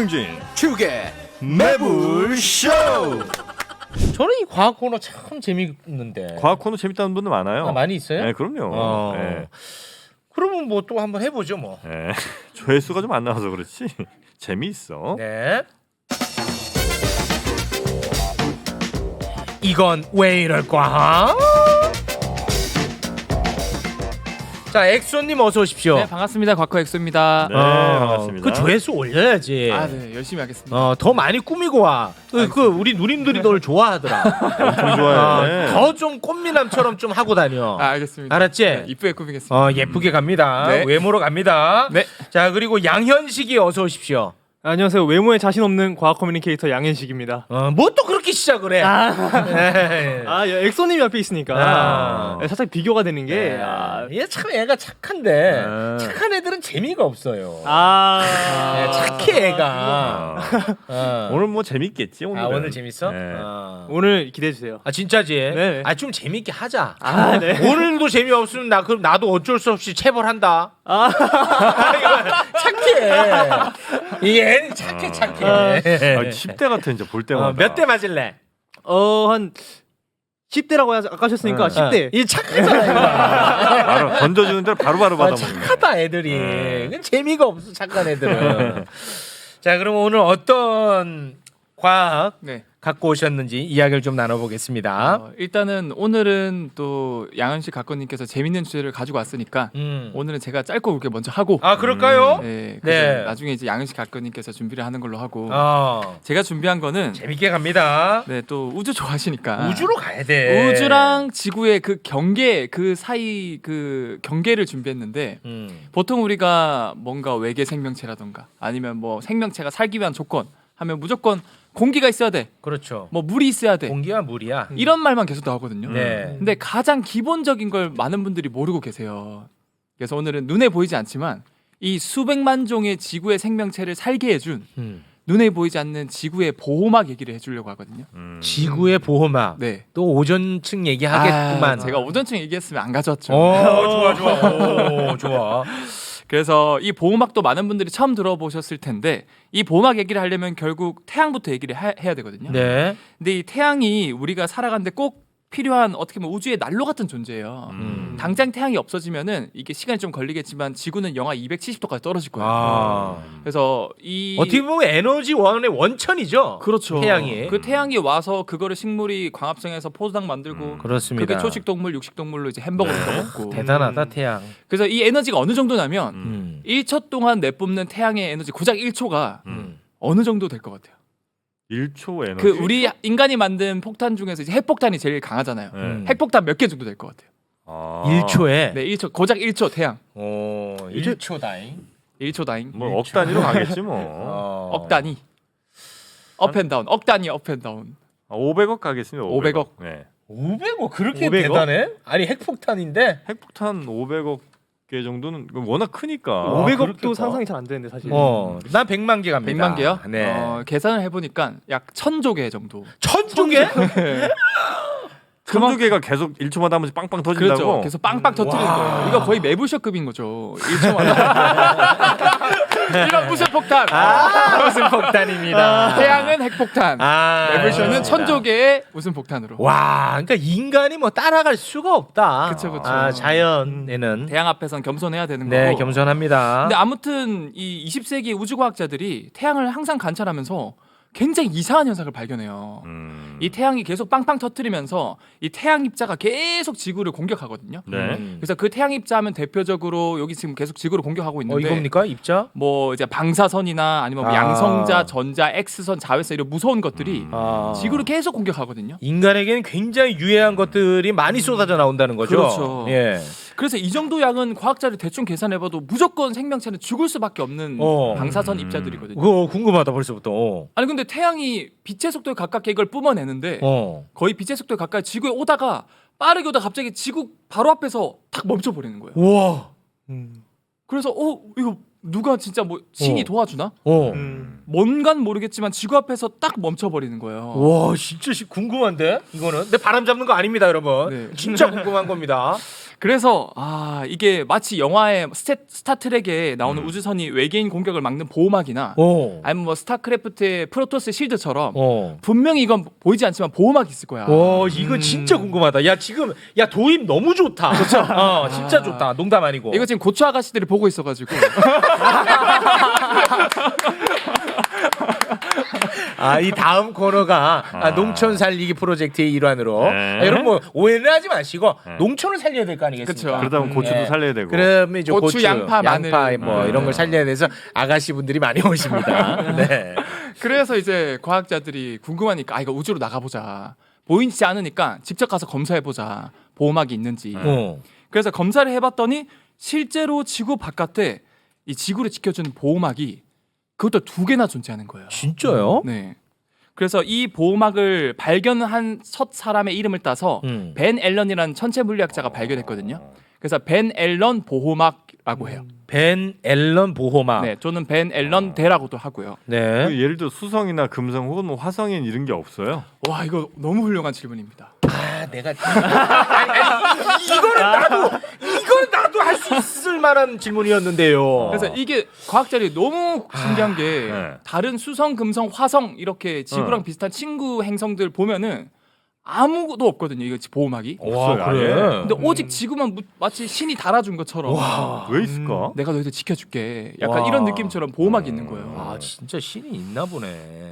김용진 축의 매불쇼. 저는 이 과학 코너 참 재밌는데. 과학 코너 재밌다는 분들 많아요. 아, 많이 있어요? 네, 그럼요. 네. 그러면 뭐 또 한번 해보죠 뭐. 네. 조회수가 좀 안 나와서 그렇지 재미있어. 네. 이건 왜 이럴까? 자, 엑소님 어서 오십시오. 네, 반갑습니다. 과커 엑소입니다. 네, 반갑습니다. 그 조회수 올려야지. 아, 네, 열심히 하겠습니다. 더 많이 꾸미고 와. 그 우리 누님들이 널 좋아하더라. 엄청 좋아해. 더 좀 꽃미남처럼 좀 하고 다녀. 아, 알겠습니다. 알았지? 네, 이쁘게 꾸미겠습니다. 예쁘게 갑니다. 네. 외모로 갑니다. 네. 자, 그리고 양현식이 어서 오십시오. 안녕하세요. 외모에 자신 없는 과학 커뮤니케이터 양현식입니다. 뭐 또 그렇게 시작을 해? 네. 엑소님이 앞에 있으니까 살짝 비교가 되는 게 얘 참 애가 착한데 착한 애들은 재미가 없어요. 네, 착해 애가. 오늘 뭐 재밌겠지 오늘. 오늘 재밌어? 네. 오늘 기대해 주세요. 진짜지? 네. 좀 재밌게 하자. 네. 오늘도 재미없으면 그럼 나도 어쩔 수 없이 체벌한다. 착해. 이 애는 착해. 10대 같아 진짜 볼 때마다. 몇 대 맞을래? 한 10대라고 아까 하셨으니까 10대. 이 착하잖아 이거. 바로 던져주는 대로 바로바로 받아먹는. 착하다 애들이. 그건 재미가 없어 착한 애들은. 자, 그럼 오늘 어떤 과학 네. 갖고 오셨는지 이야기를 좀 나눠보겠습니다. 일단은 오늘은 또 양현식 각건님께서 재밌는 주제를 가지고 왔으니까 오늘은 제가 짧고 굵게 먼저 하고. 그럴까요? 네. 네. 나중에 이제 양현식 각건님께서 준비를 하는 걸로 하고. 제가 준비한 거는 재밌게 갑니다. 네, 또 우주 좋아하시니까. 우주로 가야 돼. 우주랑 지구의 그 경계 그 사이 그 경계를 준비했는데 보통 우리가 뭔가 외계 생명체라던가 아니면 뭐 생명체가 살기 위한 조건 하면 무조건 공기가 있어야 돼. 그렇죠. 뭐 물이 있어야 돼. 공기와 물이야. 이런 말만 계속 나오거든요. 네. 근데 가장 기본적인 걸 많은 분들이 모르고 계세요. 그래서 오늘은 눈에 보이지 않지만 이 수백만 종의 지구의 생명체를 살게 해준 눈에 보이지 않는 지구의 보호막 얘기를 해주려고 하거든요. 지구의 보호막. 네. 또 오전층 얘기하겠구만. 제가 오전층 얘기했으면 안 가져왔죠. 좋아. 좋아. 그래서 이 보호막도 많은 분들이 처음 들어보셨을 텐데 이 보호막 얘기를 하려면 결국 태양부터 얘기를 해야 되거든요. 네. 근데 이 태양이 우리가 살아가는데 꼭 필요한 어떻게 보면 우주의 난로 같은 존재예요. 당장 태양이 없어지면은 이게 시간이 좀 걸리겠지만 지구는 영하 270도까지 떨어질 거예요. 그래서 이 어떻게 보면 에너지 원의 원천이죠. 그렇죠. 태양이. 그 태양이 와서 그거를 식물이 광합성해서 포도당 만들고 그렇습니다. 그게 초식동물, 육식동물로 이제 햄버거를 먹고 대단하다 태양. 그래서 이 에너지가 어느 정도냐면 1초 동안 내뿜는 태양의 에너지 고작 1초가 어느 정도 될 것 같아요. 1초 에너지. 그 우리 인간이 만든 폭탄 중에서 이제 핵폭탄이 제일 강하잖아요. 핵폭탄 몇 개 정도 될 것 같아요. 1초에. 네, 1초 고작 1초 태양. 1초다잉. 1초 다잉. 뭐 억 단위로 가겠지 뭐. 억 단위. 업앤다운. 억 단위 업앤다운. 500억 가겠습니다. 500억. 네. 500억 그렇게 500억? 대단해? 아니 핵폭탄인데. 핵폭탄 500억 개 정도는 워낙 크니까. 500억도 그렇겠다. 상상이 잘 안 되는데 사실. 난 100만 개 갑니다. 100만 개요? 네. 계산을 해보니까 약 1000조 개 정도. 1000조 개? 천조 개가 계속 1초마다 한 번씩 빵빵 터진다고. 그렇죠. 계속 빵빵 터뜨리는 거예요. 이거 거의 매불쇼급인 거죠. 1초마다. 이건 무슨 폭탄? 무슨 폭탄입니다. 태양은 핵폭탄. 매불쇼는 1000조 개의 무슨 폭탄으로. 와, 그러니까 인간이 뭐 따라갈 수가 없다. 그쵸. 자연에는 태양 앞에선 겸손해야 되는 네, 거고. 겸손합니다. 근데 아무튼 이 20세기 우주과학자들이 태양을 항상 관찰하면서 굉장히 이상한 현상을 발견해요. 이 태양이 계속 빵빵 터뜨리면서 이 태양 입자가 계속 지구를 공격하거든요. 네. 그래서 그 태양 입자하면 대표적으로 여기 지금 계속 지구를 공격하고 있는데 이겁니까? 입자? 뭐 이제 방사선이나 아니면 뭐 양성자, 전자, X선, 자외선 이런 무서운 것들이 지구를 계속 공격하거든요. 인간에게는 굉장히 유해한 것들이 많이 쏟아져 나온다는 거죠. 그렇죠. 예. 그래서 이 정도 양은 과학자를 대충 계산해봐도 무조건 생명체는 죽을 수밖에 없는 방사선 입자들이거든요. 그거 궁금하다 벌써부터. 아니 근데 태양이 빛의 속도에 가깝게 이걸 뿜어내는데 거의 빛의 속도에 가까이 지구에 오다가 빠르게 오다가 갑자기 지구 바로 앞에서 탁 멈춰버리는 거예요. 우와. 그래서 이거 누가 진짜 뭐 신이 도와주나? 뭔간 모르겠지만 지구 앞에서 딱 멈춰버리는 거예요. 와, 진짜 궁금한데 이거는. 근데 바람 잡는 거 아닙니다, 여러분. 네. 진짜 궁금한 겁니다. 그래서 이게 마치 영화의 스타트rek에 나오는 우주선이 외계인 공격을 막는 보호막이나 아니면 뭐 스타크래프트의 프로토스 실드처럼 분명히 이건 보이지 않지만 보호막이 있을 거야. 이거 진짜 궁금하다. 야 지금 도입 너무 좋다. 그렇죠. 진짜 좋다. 농담 아니고. 이거 지금 고추 아가씨들이 보고 있어가지고. 이 다음 코너가 농촌 살리기 프로젝트의 일환으로 여러분 뭐 오해는 하지 마시고 농촌을 살려야 될 거 아니겠습니까? 그쵸. 그러다 보면 고추도 살려야 되고. 그러면 이제 고추, 양파, 마늘. 뭐 이런 걸 살려야 돼서 아가씨 분들이 많이 오십니다. 네. 그래서 이제 과학자들이 궁금하니까 이거 우주로 나가보자. 보이지 않으니까 직접 가서 검사해보자. 보호막이 있는지. 그래서 검사를 해봤더니 실제로 지구 바깥에 이 지구를 지켜주는 보호막이 그것도 2개나 존재하는 거예요. 진짜요? 네. 그래서 이 보호막을 발견한 첫 사람의 이름을 따서 벤 앨런이라는 천체 물리학자가 발견했거든요. 그래서 벤 앨런 보호막이라고 해요. 벤 앨런 보호막. 네, 저는 벤 앨런 대라고도 하고요. 네. 그 예를 들어 수성이나 금성 혹은 뭐 화성엔 이런 게 없어요. 와, 이거 너무 훌륭한 질문입니다. 내가 이건 나도 할 수 있을 만한 질문이었는데요. 그래서 이게 과학자들이 너무 신기한 게 네. 다른 수성, 금성, 화성 이렇게 지구랑 비슷한 친구 행성들 보면은 아무것도 없거든요. 이거 보호막이. 없어요, 와, 그래. 아예. 근데 오직 지구만 마치 신이 달아준 것처럼 왜 있을까? 내가 너희들 지켜줄게. 약간 와. 이런 느낌처럼 보호막이 있는 거예요. 진짜 신이 있나 보네.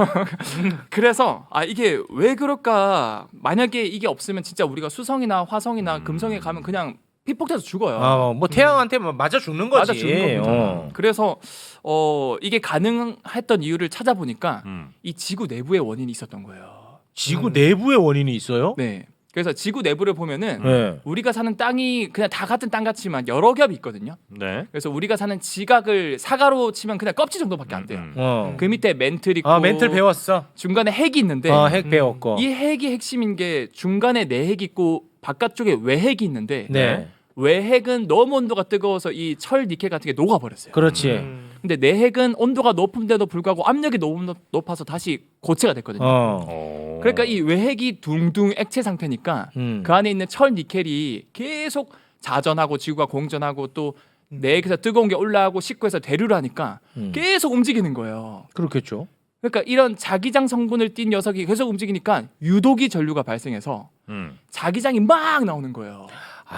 그래서 이게 왜 그럴까? 만약에 이게 없으면 진짜 우리가 수성이나 화성이나 금성에 가면 그냥 피폭돼서 죽어요. 뭐 태양한테 맞아 죽는 거지. 맞아 죽는 겁니다. 그래서 이게 가능했던 이유를 찾아보니까 이 지구 내부에 원인이 있었던 거예요. 지구 내부에 원인이 있어요? 네. 그래서 지구 내부를 보면은 네. 우리가 사는 땅이 그냥 다 같은 땅 같지만 여러 겹이 있거든요. 네. 그래서 우리가 사는 지각을 사과로 치면 그냥 껍질 정도밖에 안 돼요. 어. 그 밑에 멘틀 있고 멘틀 배웠어. 중간에 핵이 있는데 핵 배웠고. 이 핵이 핵심인 게 중간에 내핵이 있고 바깥쪽에 외핵이 있는데 네. 외핵은 너무 온도가 뜨거워서 이 철 니켈 같은 게 녹아버렸어요. 그렇지. 근데 내핵은 온도가 높은데도 불구하고 압력이 너무 높아서 다시 고체가 됐거든요. 그러니까 이 외핵이 둥둥 액체 상태니까 그 안에 있는 철 니켈이 계속 자전하고 지구가 공전하고 또 내핵에서 뜨거운 게 올라가고 식구에서 대류를 하니까 계속 움직이는 거예요. 그렇겠죠. 그러니까 이런 자기장 성분을 띈 녀석이 계속 움직이니까 유도기 전류가 발생해서 자기장이 막 나오는 거예요.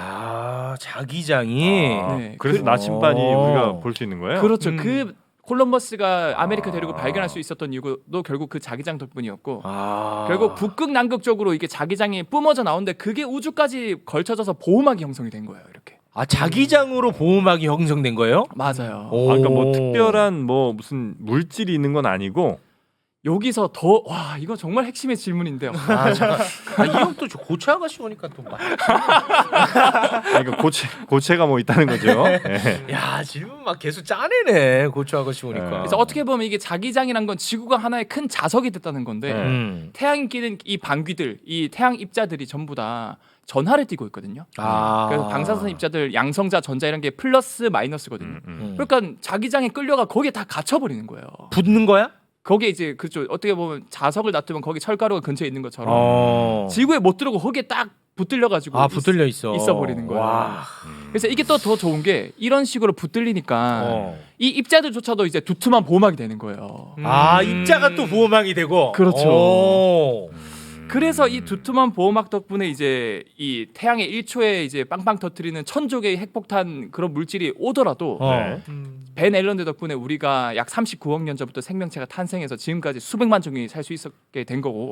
자기장이. 네. 그래서 나침반이 우리가 볼 수 있는 거예요? 그렇죠. 그 콜럼버스가 아메리카 대륙을 발견할 수 있었던 이유도 결국 그 자기장 덕분이었고 결국 북극 남극 쪽으로 이게 자기장이 뿜어져 나오는데 그게 우주까지 걸쳐져서 보호막이 형성이 된 거예요. 이렇게. 자기장으로 보호막이 형성된 거예요? 맞아요. 그러니까 뭐 특별한 뭐 무슨 물질이 있는 건 아니고 여기서 더 이거 정말 핵심의 질문인데요. 잠깐. 이 형 또 고추 아가씨 오니까 또 막. 그러니까 고체가 뭐 있다는 거죠. 네. 야, 질문 막 계속 짜내네. 고추 아가씨 오니까. 그래서 어떻게 보면 이게 자기장이란 건 지구가 하나의 큰 자석이 됐다는 건데 태양이 끼는 이 방귀들, 이 태양 입자들이 전부 다 전하를 띠고 있거든요. 그래서 방사선 입자들 양성자, 전자 이런 게 플러스 마이너스거든요. 그러니까 자기장에 끌려가 거기에 다 갇혀버리는 거예요. 붙는 거야? 거기에 이제 그렇죠. 어떻게 보면 자석을 놔두면 거기 철가루가 근처에 있는 것처럼 지구에 못 들어오고 거기에 딱 붙들려 가지고 붙들려 있어 버리는 거예요. 와. 그래서 이게 또 더 좋은 게 이런 식으로 붙들리니까 이 입자들조차도 이제 두툼한 보호막이 되는 거예요. 입자가 또 보호막이 되고. 그렇죠. 그래서 이 두툼한 보호막 덕분에 이제 이 태양의 1초에 이제 빵빵 터뜨리는 1000조 개의 핵폭탄 그런 물질이 오더라도 네. 벤 앨런드 덕분에 우리가 약 39억 년 전부터 생명체가 탄생해서 지금까지 수백만 종이 살 수 있었게 된 거고.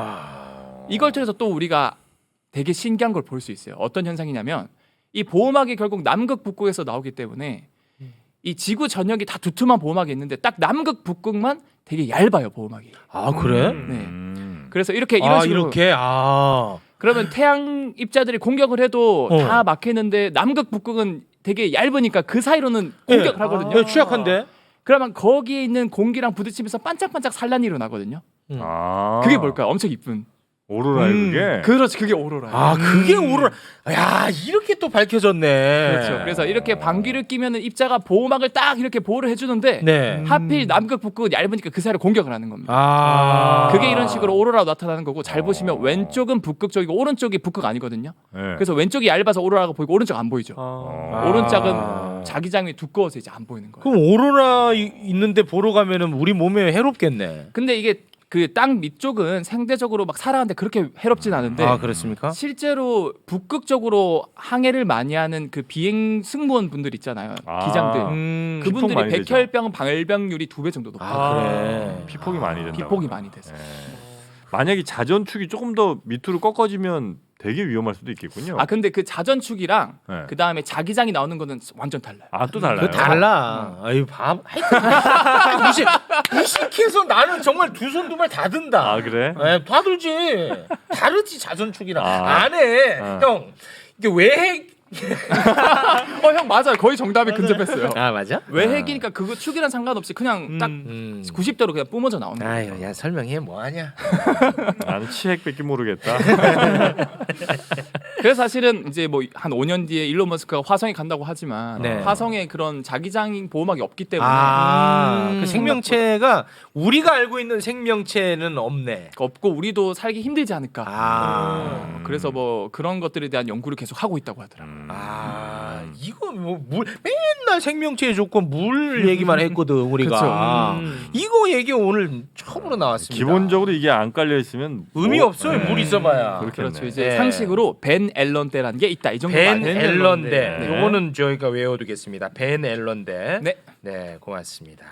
이걸 통해서 또 우리가 되게 신기한 걸 볼 수 있어요. 어떤 현상이냐면 이 보호막이 결국 남극 북극에서 나오기 때문에 이 지구 전역이 다 두툼한 보호막이 있는데 딱 남극 북극만 되게 얇아요, 보호막이. 그래? 네. 그래서 이런 식으로 이렇게 그러면 태양 입자들이 공격을 해도 다 막히는데 남극 북극은 되게 얇으니까 그 사이로는 공격을 하거든요. 취약한데. 그러면 거기에 있는 공기랑 부딪히면서 반짝반짝 산란이 일어나거든요. 그게 뭘까요? 엄청 이쁜. 오로라에 그게. 그렇지, 그게 오로라예요. 아 그게 오로라. 야 이렇게 또 밝혀졌네. 그렇죠. 그래서 이렇게 방귀를 끼면은 입자가 보호막을 딱 이렇게 보호를 해주는데 네. 하필 남극 북극은 얇으니까 그 사이를 공격을 하는 겁니다. 아 그게 이런 식으로 오로라로 나타나는 거고 잘 보시면 왼쪽은 북극 쪽이고 오른쪽이 북극 아니거든요. 네. 그래서 왼쪽이 얇아서 오로라가 보이고 오른쪽 안 보이죠. 어. 오른쪽은 자기장이 두꺼워서 이제 안 보이는 거예요. 그럼 오로라 있는데 보러 가면은 우리 몸에 해롭겠네. 근데 이게 그 땅 밑쪽은 상대적으로 막 살아가는데 그렇게 해롭진 않은데 아 그렇습니까? 실제로 북극 쪽으로 항해를 많이 하는 그 비행 승무원 분들 있잖아요. 아. 기장들. 피폭 그분들이 많이 되죠. 백혈병 발병률이 2배 정도 높아요. 아 그래. 피폭이 많이 된다. 비폭이 많이 돼서. 만약에 자전축이 조금 더 밑으로 꺾어지면 되게 위험할 수도 있겠군요. 아 근데 그 자전축이랑 네. 그 다음에 자기장이 나오는 거는 완전 달라요. 아, 또 달라요. 그 달라. 아유 밤. 무식해서 나는 정말 두 손 두 발 다 든다. 아 그래? 네, 다 들지. 다르지 자전축이랑. 아. 안 해. 아. 형 이게 외핵. 형 맞아요. 거의 정답에 근접했어요. 아 맞아? 외핵이니까 그거 축이랑 상관없이 그냥 딱 90도로 그냥 뿜어져 나오는 거예요. 아유 야 설명해 뭐하냐. 나는 치핵밖에 모르겠다. 그래서 사실은 이제 뭐 한 5년 뒤에 일론 머스크가 화성에 간다고 하지만 네. 화성에 그런 자기장 보호막이 없기 때문에 그 생명체가 우리가 알고 있는 생명체는 없네. 없고 우리도 살기 힘들지 않을까. 아. 그래서 뭐 그런 것들에 대한 연구를 계속 하고 있다고 하더라고요. 아 이거 뭐 물 맨날 생명체의 조건 물 얘기만 했거든 우리가. 이거 얘기 오늘 처음으로 나왔습니다. 기본적으로 이게 안 깔려 있으면 의미 뭐- 없어요. 네. 물 있어봐야. 그렇겠네. 그렇죠. 이제 네. 상식으로 벤 앨런대라는 게 있다. 이 정도 벤 말해요. 앨런대. 네. 요거는 저희가 외워두겠습니다. 벤 앨런대. 네. 네, 고맙습니다.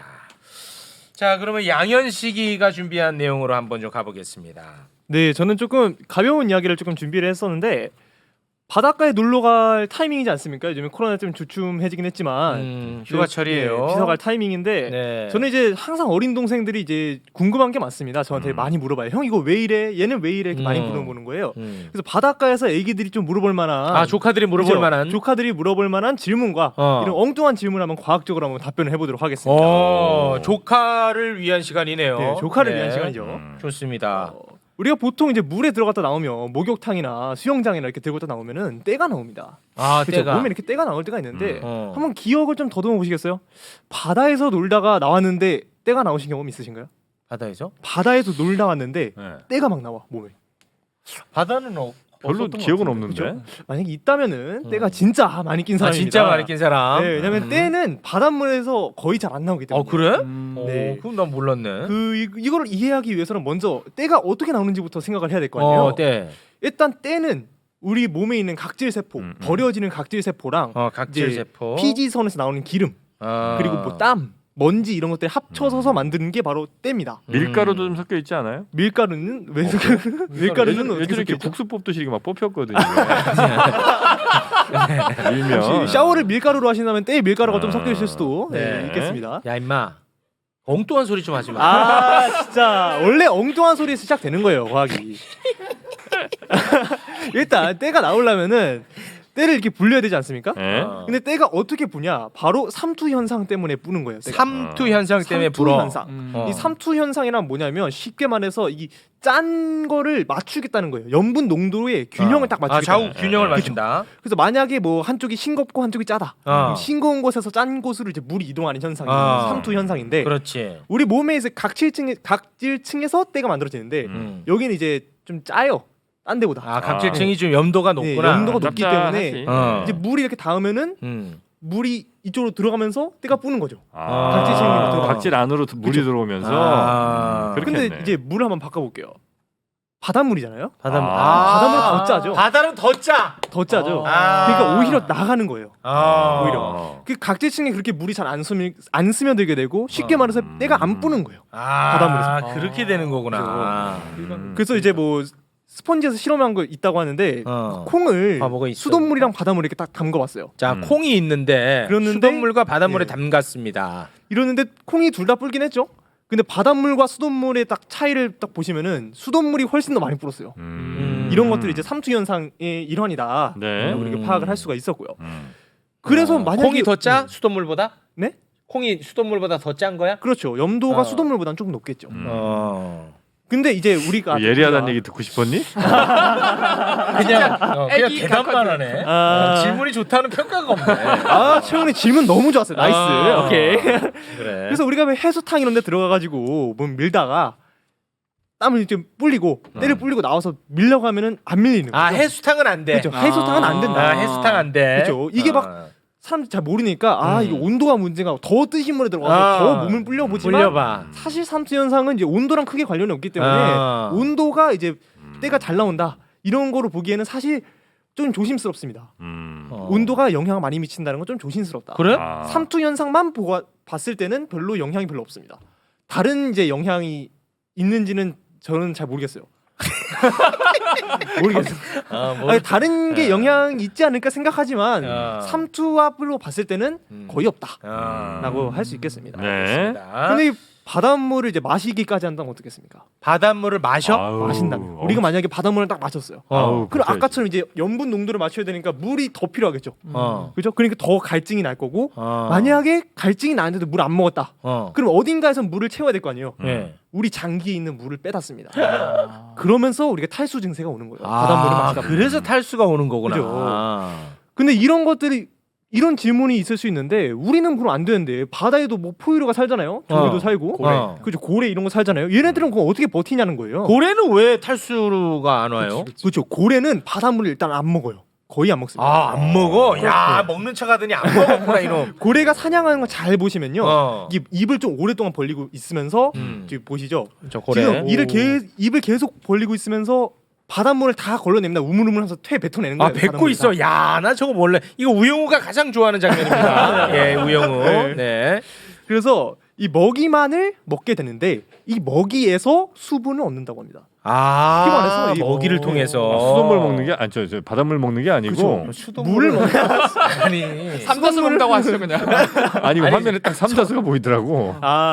자, 그러면 양현식이가 준비한 내용으로 한번 좀 가보겠습니다. 네, 저는 조금 가벼운 이야기를 조금 준비를 했었는데 바닷가에 놀러 갈 타이밍이지 않습니까? 요즘에 코로나 때문에 주춤해지긴 했지만 휴가철이에요. 네, 비서 갈 타이밍인데 네. 저는 이제 항상 어린 동생들이 이제 궁금한 게 많습니다. 저한테 많이 물어봐요. 형 이거 왜 이래? 얘는 왜 이래? 이렇게 많이 물어보는 거예요. 그래서 바닷가에서 애기들이 좀 물어볼 만한 아, 조카들이 물어볼 그죠? 만한. 조카들이 물어볼 만한 질문과 이런 엉뚱한 질문을 한번 과학적으로 한번 답변을 해보도록 하겠습니다. 조카를 위한 시간이네요. 네, 조카를 위한 시간이죠. 좋습니다. 우리가 보통 이제 물에 들어갔다 나오면 목욕탕이나 수영장이나 이렇게 들어갔다 나오면은 때가 나옵니다. 아, 그렇죠? 때가. 몸에 이렇게 때가 나올 때가 있는데 어. 한번 기억을 좀 더듬어 보시겠어요? 바다에서 놀다가 나왔는데 때가 나오신 경험 있으신가요? 바다에서? 바다에서 놀다 왔는데 네. 때가 막 나와 몸에. 바다는 별로 없었던 것 기억은 같은데, 없는데. 그죠? 만약에 있다면은 때가 진짜 많이 낀 아, 사람입니다. 진짜 많이 낀 사람. 네, 왜냐면 때는 바닷물에서 거의 잘 안 나오기 때문에. 그래? 네. 그럼 난 몰랐네. 이거를 이해하기 위해서는 먼저 때가 어떻게 나오는지부터 생각을 해야 될 거 아니에요. 때. 일단 때는 우리 몸에 있는 각질 세포, 버려지는 각질 세포랑 각질 이제 세포. 피지선에서 나오는 기름, 그리고 뭐 땀, 먼지 이런 것들 합쳐서 만드는 게 바로 때입니다. 밀가루도 좀 섞여 있지 않아요? 밀가루는 왜 밀가루는 어떻게 예전에 이렇게 섞여 국수 뽑듯이 이렇게 막 뽑혔거든요. 밀면 혹시 샤워를 밀가루로 하신다면 때에 밀가루가 좀 아, 섞여 있을 수도 네. 있겠습니다. 야 임마 엉뚱한 소리 좀 하지 마. 아 진짜 원래 엉뚱한 소리에서 시작되는 거예요 과학이. 일단 때가 나오려면은 때를 이렇게 불려야 되지 않습니까? 네? 근데 때가 어떻게 부냐? 바로 삼투 현상 때문에 부는 거예요. 때가. 삼투 현상 때문에 삼투 불어. 현상. 이 삼투 현상이란 뭐냐면 쉽게 말해서 이 짠 거를 맞추겠다는 거예요. 염분 농도의 균형을 딱 맞추겠다. 좌우 균형을 맞춘다. 그래서 만약에 뭐 한쪽이 싱겁고 한쪽이 짜다. 그럼 싱거운 곳에서 짠 곳으로 이제 물이 이동하는 현상이 삼투 현상인데 그렇지. 우리 몸에 이제 각질층에서 때가 만들어지는데 여기는 이제 좀 짜요. 딴 데보다. 각질층이 좀 염도가 네, 높구나. 염도가 높기 때문에 짭짤하지. 이제 물이 이렇게 닿으면은 물이 이쪽으로 들어가면서 때가 뿌는 거죠. 각질층이 들어가. 각질 안으로 물이 들어오면서 그렇겠네. 근데 이제 물을 한번 바꿔볼게요. 바닷물이잖아요. 바닷물. 바닷물은 더 짜죠. 바다는 더 짜. 더 짜죠. 그러니까 오히려 나가는 거예요. 오히려. 그 각질층에 그렇게 물이 잘 안 스며들게 되고 쉽게 말해서 때가 안 뿌는 거예요. 바닷물에서. 그렇게 되는 거구나. 그래서 이제 뭐 스펀지에서 실험한 거 있다고 하는데 콩을 뭐가 있어? 수돗물이랑 바닷물에 이렇게 딱 담가봤어요. 자, 콩이 있는데 그랬는데 수돗물과 바닷물에 네. 담갔습니다. 이러는데 콩이 둘 다 불긴 했죠. 근데 바닷물과 수돗물의 딱 차이를 딱 보시면은 수돗물이 훨씬 더 많이 불었어요. 이런 것들이 이제 삼투 현상의 일환이다. 네. 우리가 파악을 할 수가 있었고요. 그래서 만약에 콩이 더 짜? 수돗물보다? 네? 콩이 수돗물보다 더 짠 거야? 그렇죠. 염도가 수돗물보다는 조금 높겠죠. 근데 이제 우리가 예리하다는 얘기 듣고 싶었니? 그냥 애기 대답만 각화들. 하네. 아. 질문이 좋다는 평가가 없네. 아 최근에 질문 너무 좋았어요. 나이스. 아. 오케이. 그래. 그래서 우리가 왜 해수탕 이런 데 들어가가지고 뭐 밀다가 땀을 좀 불리고 때를 불리고 나와서 밀려고 하면은 안 밀리는 거죠. 해수탕은 안 돼. 그렇죠. 해수탕은 안 된다. 해수탕 안 돼. 그렇죠. 이게 막 사람들이 잘 모르니까 이게 온도가 문제가 더 뜨신 물에 들어가서 더 몸을 불려보지만 불려봐. 사실 삼투 현상은 이제 온도랑 크게 관련이 없기 때문에 온도가 이제 때가 잘 나온다 이런 거로 보기에는 사실 좀 조심스럽습니다. 온도가 영향을 많이 미친다는 건 좀 조심스럽다. 그래? 삼투 현상만 봤을 때는 별로 영향이 별로 없습니다. 다른 이제 영향이 있는지는 저는 잘 모르겠어요. 모르겠어요. 아니, 다른 게 영향이 있지 않을까 생각하지만 삼투압으로 봤을 때는 거의 없다라고 할 수 있겠습니다. 네. 근데 이 바닷물을 이제 마시기까지 한다면 어떻겠습니까? 바닷물을 마셔? 마신다면 우리가 만약에 바닷물을 딱 마셨어요. 아우, 그럼 그렇죠. 아까처럼 이제 염분 농도를 맞춰야 되니까 물이 더 필요하겠죠. 어. 그렇죠? 그러니까 더 갈증이 날 거고 어. 만약에 갈증이 나는데도 물 안 먹었다. 어. 그럼 어딘가에서 물을 채워야 될 거 아니에요. 예. 우리 장기에 있는 물을 빼닫습니다. 아. 그러면서 우리가 탈수 증세가 오는 거예요. 바닷물을 마시다 보면. 그래서 탈수가 오는 거구나. 그죠. 근데 이런 것들이 이런 질문이 있을 수 있는데 우리는 그럼 안 되는데 바다에도 뭐 포유류가 살잖아요. 조개도 살고 고래. 그죠 고래 이런 거 살잖아요. 얘네들은 그거 어떻게 버티냐는 거예요. 고래는 왜 탈수가 안 와요? 그렇죠. 고래는 바닷물을 일단 안 먹어요. 거의 안 먹습니다. 안 먹어? 야 먹는 척 하더니 안 먹었구나 이놈. 고래가 사냥하는 거 잘 보시면요. 이 입을 좀 오랫동안 벌리고 있으면서 지금 보시죠. 저 고래. 지금 입을 계속 벌리고 있으면서 바닷물을 다 걸러냅니다. 우물우물하면서 퇴 뱉어내는 거예요. 뱉고 바닷물을 있어. 다. 야, 나 저거 몰래. 이거 우영우가 가장 좋아하는 장면입니다. 예, 우영우. 네. 네. 그래서 이 먹이만을 먹게 되는데 이 먹이에서 수분을 얻는다고 합니다. 쉽게 말해서 이 먹이를 통해서 수돗물 먹는 게 아니 저 바닷물 먹는 게 아니고 물을 먹는 아니. 삼다수 먹는다고 하시죠 그냥. 아니 화면에 딱 삼자수가 보이더라고.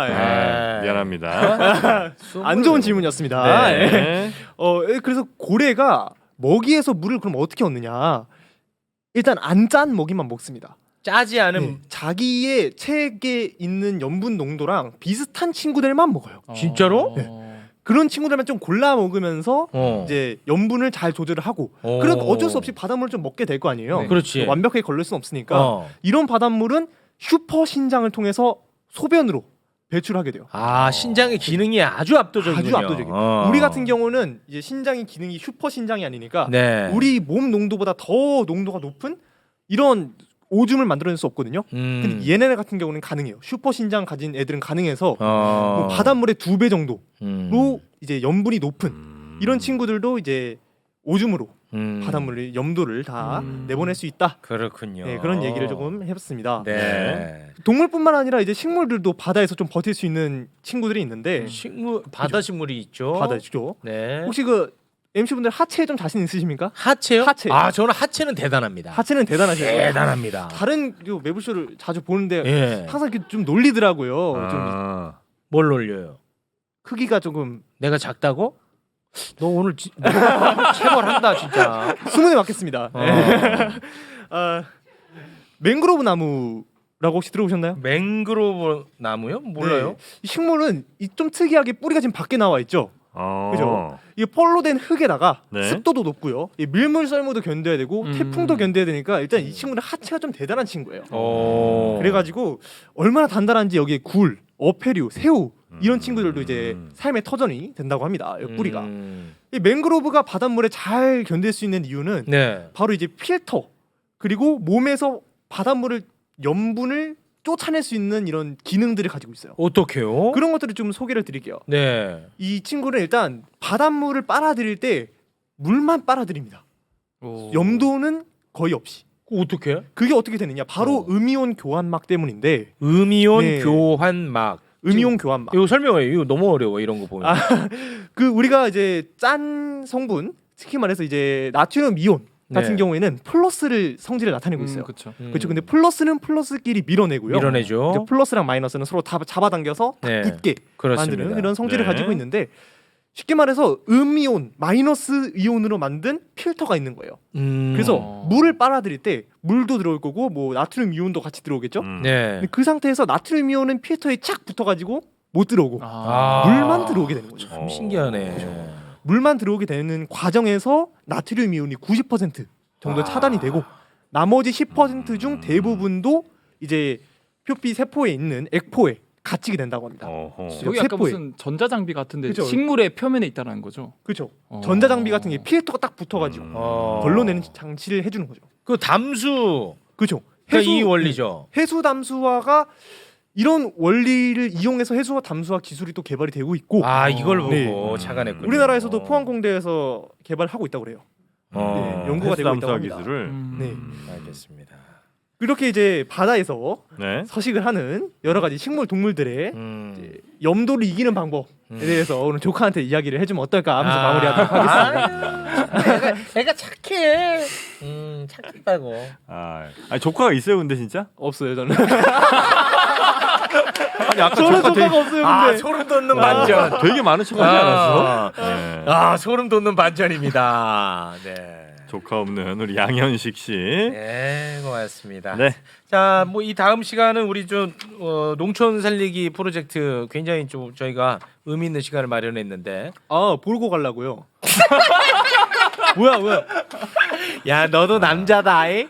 미안합니다. 안 좋은 질문이었습니다. 네. 그래서 고래가 먹이에서 물을 그럼 어떻게 얻느냐? 일단 안 짠 먹이만 먹습니다. 짜지 않은 네. 자기의 체액에 있는 염분 농도랑 비슷한 친구들만 먹어요. 진짜로? 네. 그런 친구들만 좀 골라 먹으면서 어. 이제 염분을 잘 조절을 하고 그래도 어쩔 수 없이 바닷물을 좀 먹게 될 거 아니에요. 네. 그렇지. 완벽하게 걸릴 수는 없으니까 이런 바닷물은 슈퍼 신장을 통해서 소변으로 배출하게 돼요. 신장의 기능이 아주 압도적이군요. 아주 압도적이에요. 우리 같은 경우는 이제 신장의 기능이 슈퍼 신장이 아니니까 네. 우리 몸 농도보다 더 농도가 높은 이런 오줌을 만들어낼 수 없거든요. 근데 얘네 같은 경우는 가능해요. 슈퍼 신장 가진 애들은 가능해서 뭐 바닷물의 2배 정도로 이제 염분이 높은 이런 친구들도 이제 오줌으로 바닷물의 염도를 다 내보낼 수 있다. 그렇군요. 네, 그런 얘기를 조금 해봤습니다. 네. 동물뿐만 아니라 이제 식물들도 바다에서 좀 버틸 수 있는 친구들이 있는데 식물 바다 식물이 있죠. 바다죠. 네. 혹시 그 MC분들 하체에 좀 자신 있으십니까? 하체요? 하체. 저는 하체는 대단합니다. 하체는 대단하시죠. 대단합니다. 다른 매부쇼를 자주 보는데 예. 항상 이렇게 좀 놀리더라고요. 좀 뭘 놀려요? 크기가 조금 내가 작다고? 너 오늘 체벌한다 진짜. 수능에 맞겠습니다. 맹그로브 나무라고 혹시 들어보셨나요? 맹그로브 나무요? 몰라요. 네. 이 식물은 좀 특이하게 뿌리가 지금 밖에 나와 있죠. 그죠? 이게 펄로 된 흙에다가 네. 습도도 높고요. 이 밀물 썰물도 견뎌야 되고 태풍도 견뎌야 되니까 일단 이 친구는 하체가 좀 대단한 친구예요. 그래가지고 얼마나 단단한지 여기에 굴, 어패류, 새우 이런 친구들도 이제 삶의 터전이 된다고 합니다. 이 뿌리가. 이 맹그로브가 바닷물에 잘 견딜 수 있는 이유는 네. 바로 이제 필터 그리고 몸에서 바닷물을 염분을 쫓아낼 수 있는 이런 기능들을 가지고 있어요. 어떻게요? 그런 것들을 좀 소개를 드릴게요. 네. 이 친구는 일단 바닷물을 빨아들일 때 물만 빨아들입니다. 오. 염도는 거의 없이. 어떻게? 그게 어떻게 되느냐? 바로 음이온 교환막 때문인데. 음이온 네. 교환막. 음이온 교환막. 이거 설명해. 이거 너무 어려워 이런 거 보면. 그 우리가 이제 짠 성분, 특히 말해서 이제 나트륨 이온 같은 네. 경우에는 플러스를 성질을 나타내고 있어요. 그렇죠. 그렇죠. 근데 플러스는 플러스끼리 밀어내고요. 밀어내죠. 이제 플러스랑 마이너스는 서로 다 잡아당겨서 딱 네. 붙게 그렇습니다. 만드는 이런 성질을 네. 가지고 있는데 쉽게 말해서 음이온, 마이너스 이온으로 만든 필터가 있는 거예요. 그래서 물을 빨아들일 때 물도 들어올 거고 뭐 나트륨 이온도 같이 들어오겠죠. 네. 근데 그 상태에서 나트륨 이온은 필터에 착 붙어가지고 못 들어오고 물만 들어오게 되는 거죠. 참 신기하네. 물만 들어오게 되는 과정에서 나트륨 이온이 90% 정도 차단이 되고 나머지 10% 중 대부분도 이제 표피 세포에 있는 액포에 갇히게 된다고 합니다. 여기 약간 세포에. 무슨 전자장비 같은데 그쵸. 식물의 표면에 있다는 거죠. 그렇죠. 전자장비 같은 게 필터가 딱 붙어가지고 걸러내는 장치를 해주는 거죠. 그 담수 그렇죠. 그러니까 이 원리죠. 해수 담수화가 이런 원리를 이용해서 해수와 담수화 기술이 또 개발이 되고 있고 이걸 보고 네. 착안했군요. 우리나라에서도 포항공대에서 개발하고 있다고 그래요. 네, 연구가 되고 있다고 합니다. 기술을. 네. 알겠습니다. 이렇게 이제 바다에서 네. 서식을 하는 여러 가지 식물 동물들의 이제 염도를 이기는 방법에 대해서 오늘 조카한테 이야기를 해주면 어떨까 하면서 마무리하도록 하겠습니다. 애가 착해. 착하다고. 아니 조카가 있어요, 근데 진짜? 없어요 저는. 아니 아까 저는 조카 조카가 없어요 근데. 소름 돋는 반전. 되게 많은 척하지 않았어? 네. 소름 돋는 반전입니다. 네. 조카 없는 우리 양현식 씨. 네, 고맙습니다. 네. 자, 뭐 이 다음 시간은 우리 좀 농촌 살리기 프로젝트 굉장히 좀 저희가 의미 있는 시간을 마련했는데. 보고 가려고요. 뭐야? 야, 너도 남자다.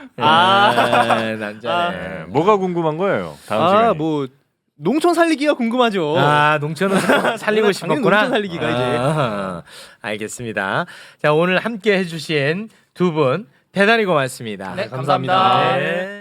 남자네. 네. 뭐가 궁금한 거예요? 다음 시간에. 뭐 농촌 살리기가 궁금하죠. 농촌을 살리고 당연히 싶었구나. 농촌 살리기가 이제. 알겠습니다. 자, 오늘 함께 해주신 두 분 대단히 고맙습니다. 네, 감사합니다. 네.